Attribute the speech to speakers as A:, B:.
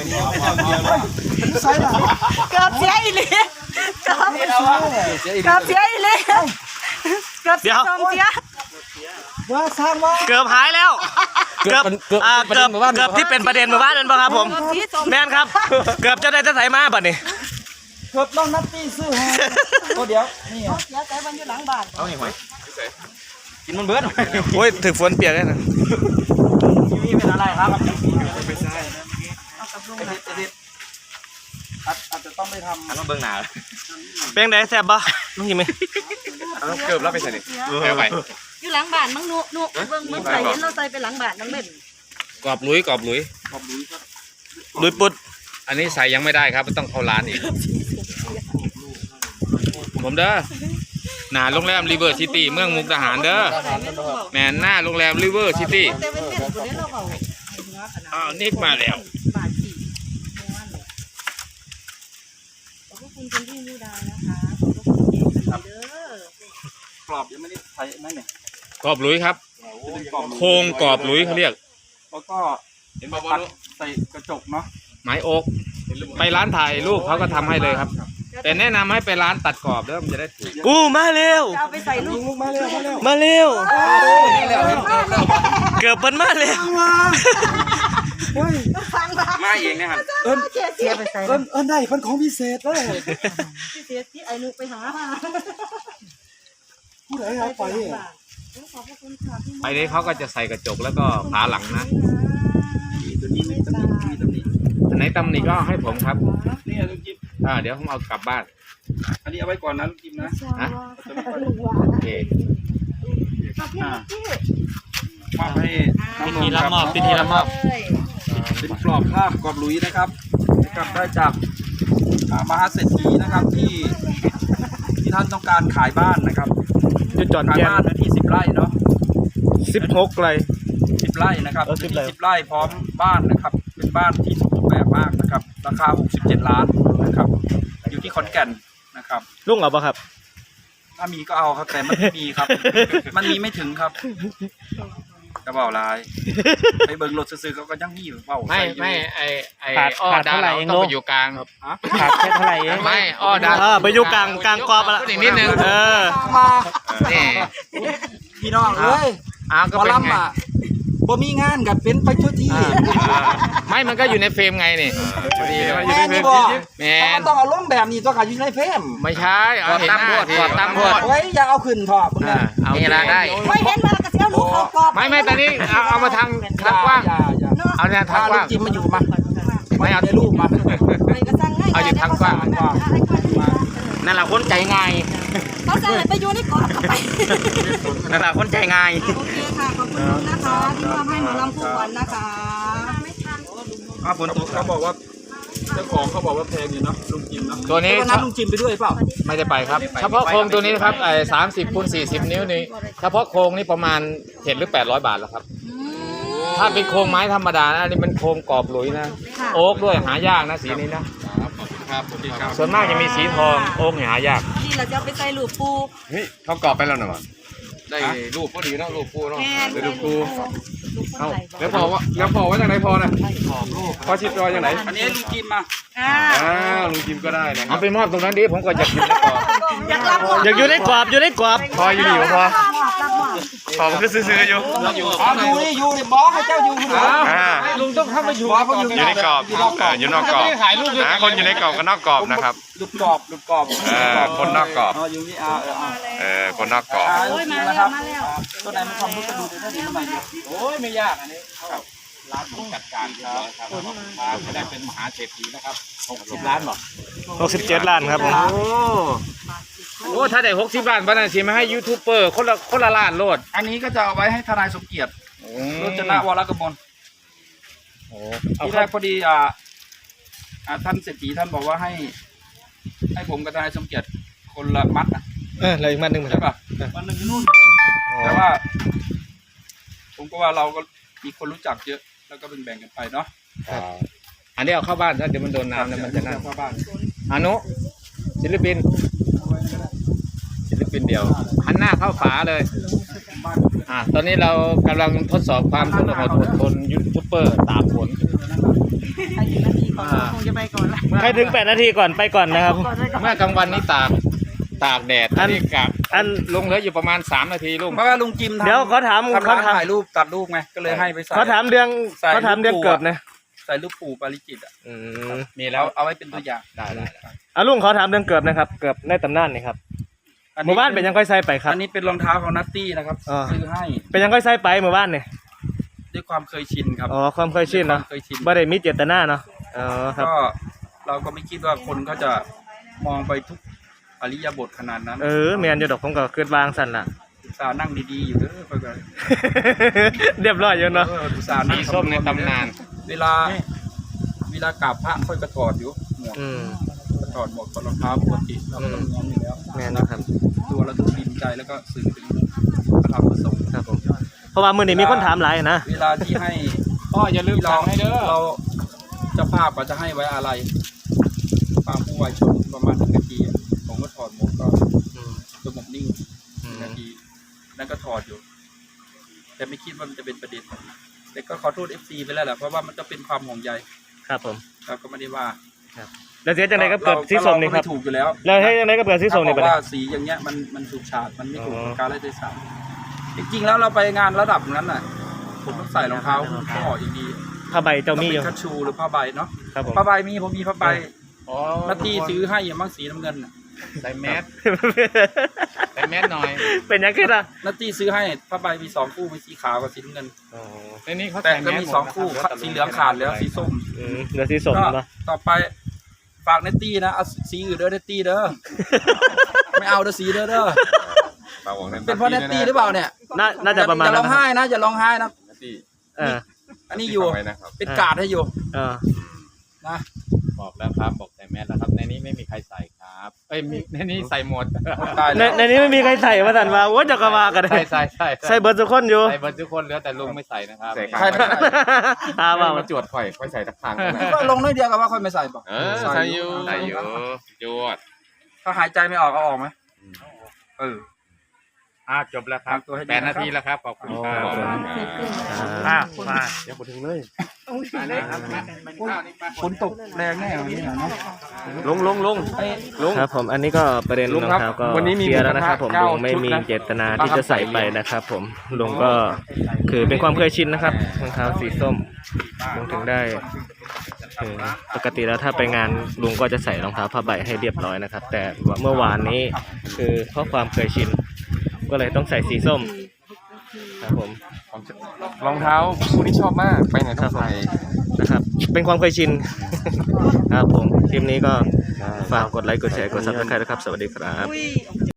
A: ใช่หรอเกือบเสียอีเลยเกือบเสียอีเลยเกือบเสียว่าสร้างว่าเกือบหายแล้วเกือบที่เป็นประเด็นเมื่อวานนั่นป่ะครับผมแม่นครับเกือบจะได้จะใส่มาบัดนี้เกือบต้องนัดตีซื้อฮะก็เดี๋ยวนี่เสียใจมันอยู่หลังบ้านเอาหน่อยกินมันเบิดโอ้ยถึงฝนเปียกเลยนะนี่เป็นอะไรครับไม่ใช่เอากับลุงนะอาจจะต้องไปทำต้องเบิ่งหนาเป็นไงแซ่บบ่ลุงกินไหมเกือบแล้วไปใส่ดิเอาไปอยู่หลังบ้านมั้งนุเบิ่งมึงใส่เห็นเราใส่ไปหลังบ้านน้องเบ็ด
B: กรอบลุย
A: ลุยปุด
B: อันนี้ใส่ยังไม่ได้ครับต้องเข้าร้านอีกผมเด้อหน้าโรงแรมริเวอร์ซิตี้เมืองมุกดาหารเด้อแม่หน้าโรงแรมริเวอร์ซิตี้นิกมาแล้ว
A: กรอบยังไม่ได้ใส่ไหมเนี่ย
B: กรอบลุยครับโครงกรอบลุยเขาเรียก
A: แล้วก็ตัดใส่กระจกเนาะ
B: ไม้โอ๊กไปร้านถ่ายรูปเขาก็ทำให้เลยครับแต่แนะนำให้ไปร้านตัดกรอบเด้อมันจะได้ถูก
A: กูมาเร็วเอาไปใส่ลูกมาเร็วเกือบเป็นมาเร็ว
B: มาเองนะครับ
A: เสียไปใส่ได้เป็นของพิเศษเลยพิเศษที่ไอ้นุไปหามาผู้ใดเอาไป
B: ไปนี้เขาก็จะใส่กระจกแล้วก็ฝาหลังนะ
A: ตัวนี้ไม่ตำหนิ
B: อันไหนตำหนิก็ให้ผมครับนี่ลุงจิ๊บเดี๋ยวผมเอากลับบ้าน
A: อันนี้เอาไว้ก่อนนะลุงจิ๊บนะ
B: โอเค
A: มอบให้
B: พิธีรับมอบเป็น
A: กรอบภาพกรอบลุยนะครับกลับได้จากมหาเศรษฐีนะครับที่ท่านต้องการขายบ้านนะครับ
B: จะจอด
A: ขายบ้านที่10 ไร่เนาะ
B: 16 ไร่
A: 10 ไร่นะครับ10 ไร่พร้อมบ้านนะครับเป็นบ้านที่สมบูรณ์แบบมากนะครับราคา67 ล้านนะครับอยู่ที่ขอนแก่นนะครับ
B: ลุงเอาปะครับ
A: ถ้ามีก็เอาครับแต่มันไม่มีครับมันมีไม่ถึงครับกระเป๋าลายไปเบิ่งรถซื้อเขาก็ยังมีอยู่เปล่า
B: ไม่ไอ้อ้อดาเราต้องไปอยู่กลาง
A: ขาดแค่เท่าไหร่
B: ไม่อ้อดา
A: ไปอยู่กลางกรอบละ
B: อีกนิดนึง
A: มานี่พี่น้องเอ้ย
B: ก็เป็นไง
A: บ่มีงานกับเป็นไปทั่วที่
B: ไม่มันก็อยู่ในเฟรมไงนี่พอดี
A: แม่นี่บ่แม่ต้องเอาลงแบบนี้ตัวขาอยู่ในเฟรม
B: ไม่ใช่เอาเห็นหน้าที
A: ตั้งพอดไว้อย่าเอาขึ้นพอ
B: เอานี่ละได้
A: ไม่เห็นมากระเจียวลูกเอากรอบ
B: ไม่ตอนนี้เอามาทางกว้างเอาเนี่ยทางกว้าง
A: จิ้มมาอยู่มาไม่เอาได้ลูกมา
B: เอาอยู่ทางกว้าง
A: นั่นแหละคนใจง่าย
C: เขาจะไปอยู่ในกรอบไป
A: นั่นแหละคนใจง่าย
C: โอเคค่ะขอบคุณนะคะที่ทำให้หมอลำผู้วันนะคะ
A: ฝนตกเขาบอกว่าเจ้าของเขาบอกว่าแพงอยู่เนาะลุงจิมเนาะ
B: ตัวนี้
A: นัดลุงจิมไปด้วยเปล่า
B: ไม่ได้ไปครับเฉพาะโครงตัวนี้ครับ30 x 40 นิ้วนี่เฉพาะโครงนี่ประมาณ700 หรือ800 บาทแล้วครับถ้าเป็นโครงไม้ธรรมดานะอันนี้เป็นโครงกรอบหลุยนะโอ๊กด้วยหายากนะสีนี้นะส่วนมากจะมีสีทองโอ๊กหายาก
C: นี่เราจะไปใส่ลูกปู
B: นี่เขากรอบไปแล้วหน่อยได้รูปก็ดีเนาะรูปปูเนาะได้รูปปูแล้วพอว่าจากไหนพอนะพอชิดรอยจากไหน
A: อันนี้ลุงจิมมา
B: ลุงจิมก็ได้นะเอาไปมอบตรงนั้นดิผมก็อยากอยู่ในกรอบ
A: อยากอยู่ในกรอบ
B: พออยู่ดีพอมันก็ซื้ออยู่
A: อยู่ในบอสให้เจ้าอยู่ลุงต้องเข้าไปอยู่
B: ในกรอบอยู่นอกกรอบคนอยู่ในกรอบกับนอกกรอบนะครับ
A: ลุกกรอบ
B: คนนอกกรอบ
A: อยู่นี่
B: คนนอกกรอบ
C: มาแล้ว
A: ตัวไหนมันความรู้ก็ดูได้ดีหน่อยโอ้ยไม่ยากอันนี้
B: ร้านผมจัดการครับจะได้เป็นมหาเศรษฐีนะครับ60 ล้านหรอ
A: 67 ล้านครับผม
B: โอ้ถ้าได้60 ล้านบ้านสิมาให้ยูทูบเบอร์คนละล้านโลด
A: อันนี้ก็จะเอาไว้ให้ทนายสมเกียรติรจนวรกมลที่แรกพอดีท่านเศรษฐีท่านบอกว่าให้ผมกับทนายสมเกียรติคนละมัด
B: อะไรอีกมัดหนึ่ง
A: ใช่ป่ะมัดหนึ่งอยู่นู่นแต่ว่าผมก็ว่าเราก็มีคนรู้จักเยอะแล้วก็แบ่งกันไปเนาะ
B: อันนี้เอาเข้าบ้านถ้าเดี๋ยวมันโดนน้ำแล้วมันจะนั่น
A: เข้าบ้าน
B: อนุศิลปินเดียวหันหน้าเข้าฝาเลยตอนนี้เรากำลังทดสอบความอดทนยูทูบเบอร์ตากฝน
A: ก่อนละใครถึง8 นาทีก่อนไปก่อนนะครับ
B: เมื่อกลางวันนี้ตากแดดอันนี้กับลุงเหลืออยู่ประมาณ3 นาทีลุง
D: เพราะว่าลุงจิม
A: เดี๋ยวเขาถาม
D: ถ่ายรูปตัดรูปไงก็เลยให้ไปใส่
A: เขาถามเรื่องเกิดนะ
D: ใส่รูปปู่ปาริจิตอ่ะ
B: มีแล้ว
D: เอาไว้เป็นตัวอย่าง
B: ได้
A: ลุงขอถามเรื่องเกิดนะครับเกิดในตำนานนี่ครับหมู่บ้านเป็นยังค่อยใส่ไปครับ
D: อันนี้เป็นรองเท้าของนัตตี้นะครับซื้อให้
A: เป็นยังค่อยใส่ไปหมู่บ้านเนี่ย
D: ด้วยความเคยชินครับ
A: อ๋อความเคยชินเนาะ
D: เคยชิน
A: บ่ได้มีเจตนาเนาะอ๋อครับ
D: ก็เราก็ไม่คิดว่าคนเขาจะมองไปทุกอริยบทขนาดนั้น
A: แมนอยู่ดอกผมก็คิดวางสั่นล่ะ
D: อุตส่าห์นั่งดีๆอยู่เด้อเพื่อน
A: เรียบร้อยอยู่เนาะ
D: อุตส่าห์นั่
B: สี
D: ง
B: ส้มในตำนาน
D: เวลากราบพระค่อยกระถอดอยู่หมวกกระถอดหมวกกับรองเท้าปกติเราก็ต้องง้อมอยู่แล้ว
A: แมนนะครับ
D: ตัวเราต้องดินใจแล้วก็สื่อถึงพระธรรมประสงค์
A: ครับผมเพราะว่ามื้อนี้มีคนถามหลายนะ
D: เวลาที่ให้
B: พ่ออย่าลืมสั่งให้เด้อ
D: เราเจ้าภาพก็จะให้ไว้อะไรความผู้วายชนประมาณ1 นาทีอะผมก็ถอดหมวกก็สงบนิ่ง1 นาทีนั่นก็ถอดอยู่ แต่ไม่คิดว่ามันจะเป็นประเด็นแต่ก็ขอโทษ FC ไปแล้วแหละเพราะว่ามันก็เป็นความห่วงใย
A: ครับผม
D: เราก็ไม่ได้ว่า
A: แล้วเสียจังไดก็เกิดสีส้มนี่ครับ
D: เาก็ไถูกอยู่แล้ว
A: แล้วให้จังไดก็เกิดสีส้มนี่
D: ถ้า
A: ไป
D: บอก
A: เลย
D: ว่าสีอย่างเงี้ยมันถูกฉาดมันไม่ถูก
A: อ๋อ
D: การละเทศะจริงๆแล้วเราไปงานระดับนั้นน่ะผมต้องใส่รองเท้าหุ้มข้ออย่างดี
A: ผ้าใบ
D: ต้
A: เจ้า
D: อง
A: มี
D: เป็
A: อยู่
D: นคัชชูหรือผ้าใบเนาะ
A: ครับผม
D: ผ้าใบผมมีผ้าใบ
B: อ๋อ
D: นาทีซื้อให้อย่างมั่งสีน้ำเงินน่ะ
B: ใส่แมสใส่แมสหน่อย
A: เป็นยังไงล่ะ
D: นาทีซื้อให้ผ้าใบมี2 คู่มีสีขาวกับสีน้ำเงิน
B: ในนี้เขา
D: แต่
B: ใส่แม
D: ก็
B: ส
D: มี
B: หด
D: 2 คู่สีเหลืองขาดแล้วสีส้ม
A: เหลือสีส้ม
D: ก็
A: เนาะ
D: ต่อไปฝากเนตตี้นะเอาสีอื่นเด้อเนตตี้เด้อไม่เอาเด้อสีเด้อเป็นเพราะเนตตี้หรือเปล่าเนี่ย
A: น่าจะประมาณ
D: อย่าร้องไห้นะอย่าร้องไห้นะ
A: เออ
D: อันนี้อยู่เป็นการ์ดให้อยู่
A: เออ
D: นะ
B: บอกแล้วครับบอกใส่แมสแล้วครับในนี้ไม่มีใครใส่ครับในนี้ใส่หมด
D: ตาย
A: ใน
D: แล้ว
A: ในนี้ไม่มีใครใส่มาสั่นว่าโอ้จะกระวากันเลย
B: ใส่
A: ใส่เบิร์ดทุกคนอยู่
B: ใส่เบิร์ดทุกคนเหลือแต่ลุงไม่ใส่นะครับ
D: ใครไม่ใส่
A: ว่า
E: มาจวดข่อยค่อยใส่ทักทาง
D: ก็ลงน้อยเดียวกับว่าค่อยไม่ใส่ป่ะ
E: ใส่อยู่
B: ใส่อยู่จวด
D: ถ้าหายใจไม่ออกเอาออกไหม
B: จบแล้วครับ
D: ตัวให้ดี
B: 8 นาทีแล้วครับขอบคุณครับ
A: มา
E: เดี๋ยวผมถึงเลย
D: ฝนตกแรงแน่วันนี้นะเนาะ
E: ลง
A: ครับผมอันนี้ก็ประเด็นรองเท้าก็
E: วันนี้มี
A: เคลียร์แล้วนะครับผม
E: เก้า
A: ลุงไม่มี
E: ชุดนะ
A: เจตนาที่จะใส่ไปนะครับผมลุงก็คือเป็นความเคยชินนะครับรองเท้าสีส้มลุงถึงได้คือปกติแล้วถ้าไปงานลุงก็จะใส่รองเท้าผ้าใบให้เรียบร้อยนะครับ แต่เมื่อวานนี้คือเพราะความเคยชินก็เลยต้องใส่สีส้มครับผม
E: รองเท้าคู่นี้ชอบมากไปไหนต้องใส่
A: นะครับ เป็นความเคยชิน ครับผมคลิปนี้ก็ฝากกดไลค์กดแชร์กดซับสไครต์นะครับสวัสดีครับ